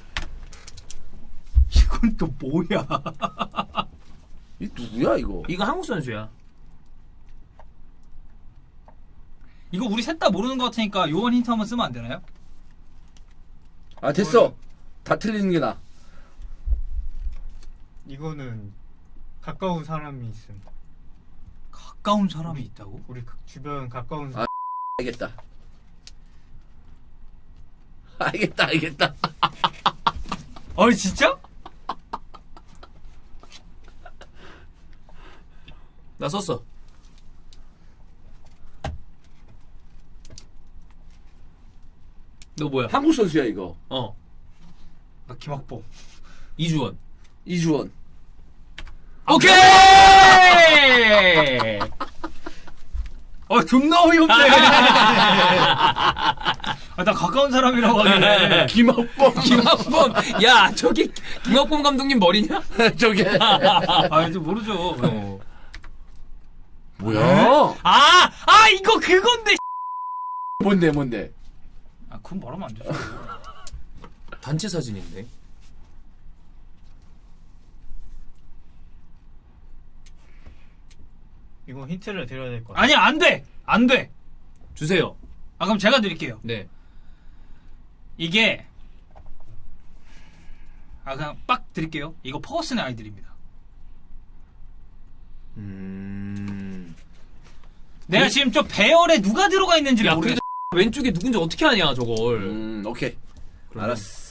[SPEAKER 3] 이건 또 뭐야?
[SPEAKER 1] 이 누구야 이거?
[SPEAKER 2] 이거 한국 선수야.
[SPEAKER 3] 이거 우리 셋 다 모르는 것 같으니까 요원 힌트 한번 쓰면 안 되나요?
[SPEAKER 1] 아 됐어. 다 틀리는 게 나.
[SPEAKER 4] 이거는 가까운 사람이 있음.
[SPEAKER 3] 가까운 사람이 있다고?
[SPEAKER 4] 우리 그 주변 가까운
[SPEAKER 1] 아.
[SPEAKER 4] 사람.
[SPEAKER 1] 알겠다. 알겠다, 알겠다.
[SPEAKER 3] 어, 진짜?
[SPEAKER 2] 나 썼어. 너 뭐야?
[SPEAKER 1] 한국 선수야 이거.
[SPEAKER 2] 어.
[SPEAKER 3] 나 김학범.
[SPEAKER 2] 이주원.
[SPEAKER 1] 이주원.
[SPEAKER 2] 오케이!
[SPEAKER 3] 아, 존나 어이없네. 아, 나 가까운 사람이라고 하길래.
[SPEAKER 1] 김학범.
[SPEAKER 2] 김학범. 야, 저기 김학범 감독님 머리냐?
[SPEAKER 1] 저게.
[SPEAKER 3] 아, 이제 모르죠.
[SPEAKER 2] 어.
[SPEAKER 1] 뭐야?
[SPEAKER 3] 아, 아, 이거 그건데.
[SPEAKER 1] 뭔데, 뭔데?
[SPEAKER 3] 아, 그건 말하면 안 되죠.
[SPEAKER 2] 단체 사진인데.
[SPEAKER 4] 이거 힌트를 드려야 될 것 같아.
[SPEAKER 3] 아니, 안 돼! 안 돼!
[SPEAKER 2] 주세요.
[SPEAKER 3] 아, 그럼 제가 드릴게요.
[SPEAKER 2] 네.
[SPEAKER 3] 이게, 아, 그냥 빡 드릴게요. 이거 퍼거슨의 아이들입니다.
[SPEAKER 1] 음.
[SPEAKER 3] 내가 지금 저 배열에 누가 들어가 있는지를
[SPEAKER 2] 야,
[SPEAKER 3] 모르겠어.
[SPEAKER 2] 그래도 왼쪽에 누군지 어떻게 아냐, 저걸.
[SPEAKER 1] 음, 오케이.
[SPEAKER 2] 그러면-
[SPEAKER 1] 알았어.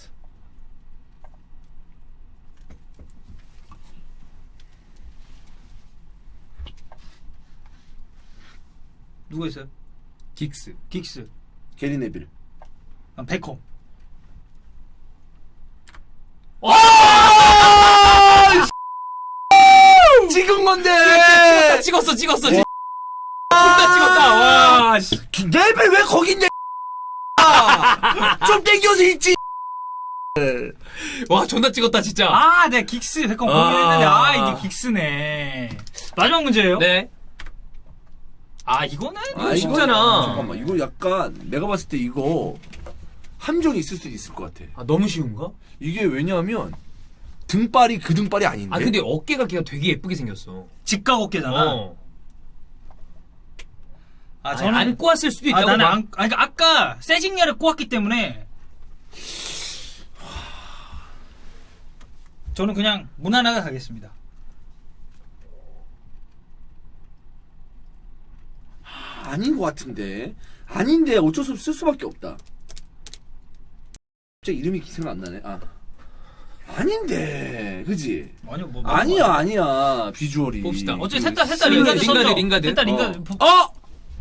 [SPEAKER 3] 누가 있어요?
[SPEAKER 2] 긱스.
[SPEAKER 3] 긱스.
[SPEAKER 1] 게리 네빌.
[SPEAKER 3] 아, 베컴.
[SPEAKER 1] 찍은 건데!
[SPEAKER 2] 찍었어, 찍었어, 찍었어. 존나 찍었다, 와, 씨.
[SPEAKER 1] 네빌 왜 거기 있냐? 좀 땡겨서 있지!
[SPEAKER 2] 와, 존나 찍었다, 진짜.
[SPEAKER 3] 아, 네, 긱스. 베컴
[SPEAKER 2] 아.
[SPEAKER 3] 고민했는데, 아, 이게 긱스네. 마지막 문제예요?
[SPEAKER 2] 네.
[SPEAKER 3] 아, 이거는?
[SPEAKER 2] 이거 쉽잖아.
[SPEAKER 1] 잠깐만, 이거 약간, 내가 봤을 때 이거, 함정이 있을 수도 있을 것 같아.
[SPEAKER 2] 아, 너무 쉬운가?
[SPEAKER 1] 이게 왜냐하면, 등발이 그 등발이 아닌데.
[SPEAKER 2] 아, 근데 어깨가 걔가 되게 예쁘게 생겼어.
[SPEAKER 3] 직각 어깨잖아.
[SPEAKER 2] 어.
[SPEAKER 3] 아,
[SPEAKER 2] 아,
[SPEAKER 3] 저는.
[SPEAKER 2] 저는 안 꼬았을 수도
[SPEAKER 3] 아,
[SPEAKER 2] 있다고.
[SPEAKER 3] 나는
[SPEAKER 2] 막-
[SPEAKER 3] 안, 아니, 그러니까 아까 세징야를 꼬았기 때문에. 저는 그냥 무난하게 가겠습니다.
[SPEAKER 1] 아닌 것 같은데. 아닌데 어쩔 수 없이 쓸 수밖에 없다. 갑자기 이름이 생각 안 나네. 아. 아닌데. 그지?
[SPEAKER 3] 아니요, 뭐.
[SPEAKER 1] 아니야, 아니야. 비주얼이.
[SPEAKER 2] 봅시다.
[SPEAKER 3] 어차피 셋 다, 셋 다
[SPEAKER 2] 그
[SPEAKER 3] 링가드
[SPEAKER 2] 링가드,
[SPEAKER 3] 썼죠?
[SPEAKER 2] 링가드.
[SPEAKER 3] 셋 다 링가드.
[SPEAKER 1] 어.
[SPEAKER 3] 부-
[SPEAKER 1] 어!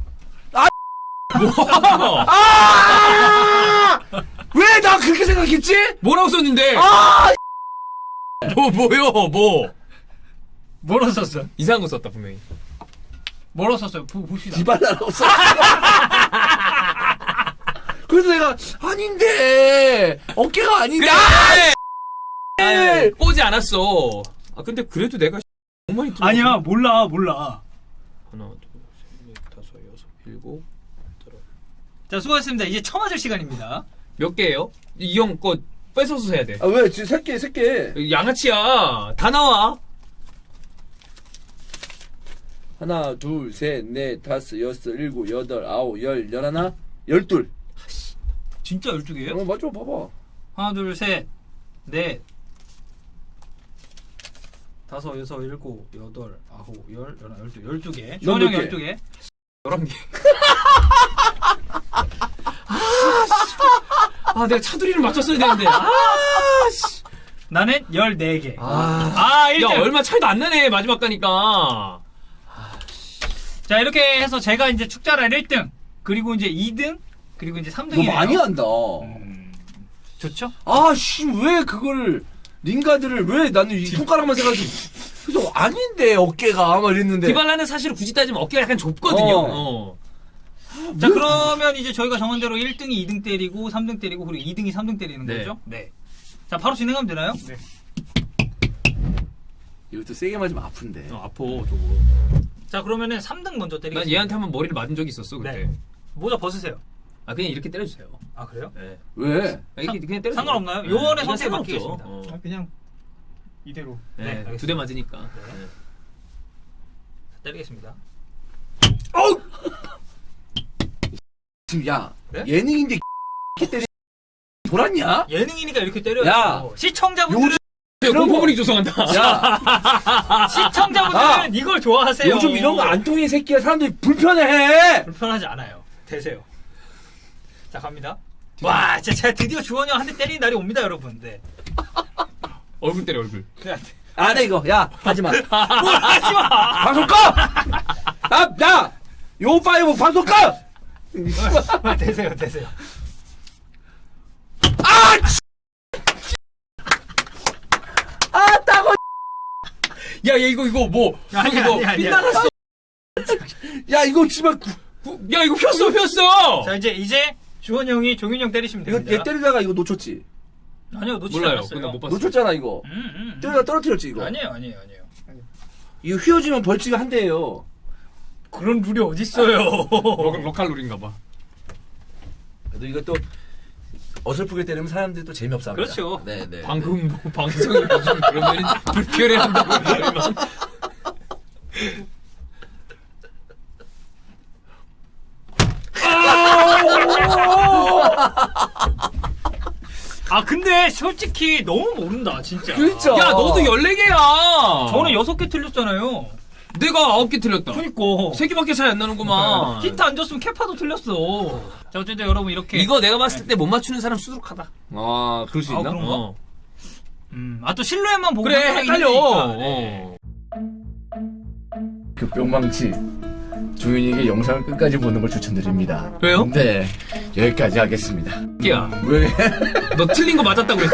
[SPEAKER 2] 뭐?
[SPEAKER 1] 아! 왜 나 그렇게 생각했지?
[SPEAKER 2] 뭐라고 썼는데?
[SPEAKER 1] 아!
[SPEAKER 2] 뭐, 뭐요, 뭐.
[SPEAKER 3] 뭐로 썼어요?
[SPEAKER 2] 이상한 거 썼다, 분명히.
[SPEAKER 3] 뭐로 썼어요? 보, 봅시다.
[SPEAKER 1] 디발라라고 써. 그래서 내가 아닌데 어깨가 아닌데.
[SPEAKER 2] 그래!
[SPEAKER 1] 아!
[SPEAKER 2] 꼬지 않았어. 아, 근데 그래도 내가 너무 많이 들어.
[SPEAKER 3] 아니야, 몰라, 몰라.
[SPEAKER 2] 하나, 둘, 셋, 넷, 다섯, 여섯, 일곱, 여덟.
[SPEAKER 3] 자, 수고하셨습니다. 이제 쳐맞을 시간입니다.
[SPEAKER 2] 몇 개예요? 이 형 거 뺏어서 해야 돼.
[SPEAKER 1] 아 왜? 지금 세 개, 세 개.
[SPEAKER 2] 양아치야. 다 나와.
[SPEAKER 1] 하나, 둘, 셋, 넷, 다섯, 여섯, 일곱, 여덟, 아홉, 열, 열하나, 열둘.
[SPEAKER 3] 진짜 열두 개예요?
[SPEAKER 1] 어 맞아, 봐봐.
[SPEAKER 3] 하나, 둘, 셋, 넷, 다섯, 여섯, 일곱, 여덟, 아홉, 열, 열한, 열두, 열두 개.
[SPEAKER 1] 넌
[SPEAKER 3] 주원이
[SPEAKER 1] 몇
[SPEAKER 3] 형
[SPEAKER 1] 개?
[SPEAKER 3] 열두 개.
[SPEAKER 2] 열한 개. 아, 내가 차두리를 맞췄어야 되는데. 아, 씨.
[SPEAKER 3] 나는 열네 개.
[SPEAKER 2] 아,
[SPEAKER 3] 아, 일 등.
[SPEAKER 2] 야, 얼마 차이도 안 나네, 마지막 가니까.
[SPEAKER 3] 자, 이렇게 해서 제가 이제 축자랄 일 등, 그리고 이제 이 등, 그리고 이제 삼
[SPEAKER 1] 너
[SPEAKER 3] 등이에요.
[SPEAKER 1] 많이 한다.
[SPEAKER 3] 음, 좋죠?
[SPEAKER 1] 아, 씨, 왜 그걸 링가드를 왜 나는 이 손가락만 세가지고 그래서 아닌데 어깨가 막 이랬는데.
[SPEAKER 2] 디발라는 사실 굳이 따지면 어깨가 약간 좁거든요.
[SPEAKER 1] 어.
[SPEAKER 2] 어.
[SPEAKER 3] 자, 그러면 이제 저희가 정한 대로 일 등이 이 등 때리고 삼 등 때리고 그리고 이 등이 삼 등 때리는
[SPEAKER 2] 네.
[SPEAKER 3] 거죠? 네. 자, 바로 진행하면 되나요?
[SPEAKER 4] 네.
[SPEAKER 1] 이것도 세게 맞으면 아픈데.
[SPEAKER 2] 어, 아파 저거.
[SPEAKER 3] 자, 그러면은 삼 등 먼저 때리겠습니다.
[SPEAKER 2] 난 얘한테 한번 머리를 맞은 적이 있었어 그때.
[SPEAKER 3] 네. 모자 벗으세요.
[SPEAKER 2] 아 그냥 이렇게 때려주세요.
[SPEAKER 3] 아, 그래요?
[SPEAKER 2] 네.
[SPEAKER 1] 왜?
[SPEAKER 2] 아, 이렇게 그냥 때려.
[SPEAKER 3] 상관없나요? 요원의 선택에 맡기겠습니다.
[SPEAKER 2] 어.
[SPEAKER 4] 아, 그냥 이대로.
[SPEAKER 3] 네,
[SPEAKER 2] 네,
[SPEAKER 3] 알겠습니다.
[SPEAKER 2] 두 대 맞으니까.
[SPEAKER 3] 네. 때리겠습니다.
[SPEAKER 1] 어우! 지금 야
[SPEAKER 3] 네?
[SPEAKER 1] 예능인데 이렇게 때리 돌았냐?
[SPEAKER 3] 예능이니까 이렇게 때려요.
[SPEAKER 1] 야!
[SPEAKER 3] 시청자분들은
[SPEAKER 1] 요즘
[SPEAKER 2] 네,
[SPEAKER 1] 이런 거-
[SPEAKER 2] 공포분이 조성한다.
[SPEAKER 1] 야
[SPEAKER 3] 시청자분들은
[SPEAKER 1] 아!
[SPEAKER 3] 이걸 좋아하세요.
[SPEAKER 1] 요즘 이런 거 안 통해 새끼야. 사람들이 불편해해.
[SPEAKER 3] 불편하지 않아요. 되세요. 자, 갑니다. 와, 진짜 제가 드디어 주원이 형 한 대 때리는 날이 옵니다, 여러분. 네.
[SPEAKER 2] 얼굴 때려 얼굴.
[SPEAKER 3] 그래.
[SPEAKER 1] 안 해 이거. 야 하지 마.
[SPEAKER 3] 뭘 하지 마!
[SPEAKER 1] 방송 꺼. 아, 야, 요 파이브 방송 꺼.
[SPEAKER 3] 아, 되세요, 되세요.
[SPEAKER 1] 아, 아 따고.
[SPEAKER 2] 야, 야 이거 이거 뭐?
[SPEAKER 3] 아니,
[SPEAKER 2] 이거
[SPEAKER 3] 아니, 아니,
[SPEAKER 2] 빗나갔어.
[SPEAKER 1] 야 이거 지금
[SPEAKER 2] 야 이거 폈어 폈어.
[SPEAKER 3] 자, 이제, 이제 주원이 형이 종윤이 형 때리시면
[SPEAKER 1] 이거
[SPEAKER 3] 됩니다.
[SPEAKER 1] 얘 때리다가 이거 놓쳤지.
[SPEAKER 3] 아니요, 놓치지
[SPEAKER 2] 몰라요.
[SPEAKER 3] 않았어요.
[SPEAKER 2] 근데 못 봤어.
[SPEAKER 1] 놓쳤잖아 이거.
[SPEAKER 3] 음, 음, 음.
[SPEAKER 1] 때리다 떨어뜨렸지 이거.
[SPEAKER 3] 아니에요, 아니에요, 아니에요.
[SPEAKER 1] 이거 휘어지면 벌칙 한 대예요.
[SPEAKER 3] 그런 룰이 어딨어요.
[SPEAKER 2] 로, 로컬 룰인가 봐.
[SPEAKER 1] 그래도 이것도 어설프게 때리면 사람들이 또 재미없어 합니다.
[SPEAKER 3] 그렇죠.
[SPEAKER 1] 네, 네.
[SPEAKER 2] 방금 뭐 방송이 요즘 그러면 불편해한다고 그러면.
[SPEAKER 3] 아, 근데 솔직히 너무 모른다, 진짜.
[SPEAKER 1] 그렇죠.
[SPEAKER 2] 야 너도 열네 개야.
[SPEAKER 3] 저는 여섯 개 틀렸잖아요.
[SPEAKER 2] 내가 아홉 개 틀렸다.
[SPEAKER 3] 그니까.
[SPEAKER 2] 세 개밖에 차이 안 나는구만.
[SPEAKER 3] 힌트 안 줬으면 캐파도 틀렸어. 자, 어쨌든 여러분 이렇게.
[SPEAKER 2] 이거 내가 봤을 때 못 맞추는 사람 수두룩하다.
[SPEAKER 1] 아, 그럴 수
[SPEAKER 3] 아,
[SPEAKER 1] 있나?
[SPEAKER 3] 그런가?
[SPEAKER 2] 어.
[SPEAKER 3] 음, 아, 또 실루엣만 보고.
[SPEAKER 2] 그래
[SPEAKER 3] 판단하긴
[SPEAKER 2] 헷갈려.
[SPEAKER 3] 했으니까. 네.
[SPEAKER 2] 어.
[SPEAKER 1] 그 뿅망치 조윤이에게 영상을 끝까지 보는 걸 추천드립니다.
[SPEAKER 2] 왜요?
[SPEAKER 1] 네, 여기까지 하겠습니다.
[SPEAKER 2] 야,
[SPEAKER 1] 왜?
[SPEAKER 2] 너 틀린 거 맞았다고 그랬지.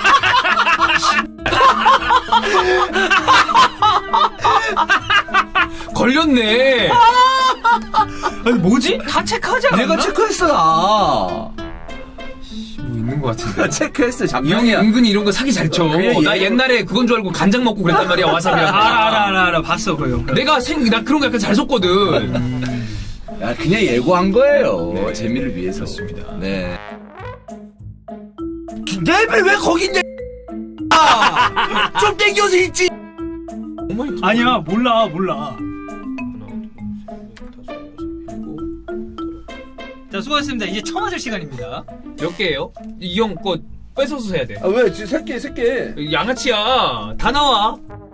[SPEAKER 2] 걸렸네.
[SPEAKER 3] 아니, 뭐지? 다 체크하지 않았나?
[SPEAKER 1] 내가 체크했어 나.
[SPEAKER 2] 뭐 있는 거 같은데.
[SPEAKER 1] 나 체크했어
[SPEAKER 2] 이 형이
[SPEAKER 1] 작년이야.
[SPEAKER 2] 은근히 이런 거 사기 잘 쳐.
[SPEAKER 1] 그래,
[SPEAKER 2] 나
[SPEAKER 1] 얘-
[SPEAKER 2] 옛날에 그건 줄 알고 간장 먹고 그랬단 말이야 와사비랑.
[SPEAKER 3] 알아, 알아, 알아, 알아. 봤어, 그 형.
[SPEAKER 2] 내가 생, 나 그런 거 약간 잘 속거든.
[SPEAKER 1] 야, 그냥 예고한 거예요. 재미를 위해서.
[SPEAKER 2] 그렇습니다.
[SPEAKER 1] 네. 랩을 왜 거기 있냐? 아! 좀 땡겨서 있지.
[SPEAKER 3] 아니야, 몰라, 몰라. 자, 수고하셨습니다. 이제 청아줄 시간입니다.
[SPEAKER 2] 몇 개예요? 이 형 거 뺏어서 해야 돼.
[SPEAKER 1] 아 왜? 지금 세 개, 세 개.
[SPEAKER 2] 양아치야. 다 나와.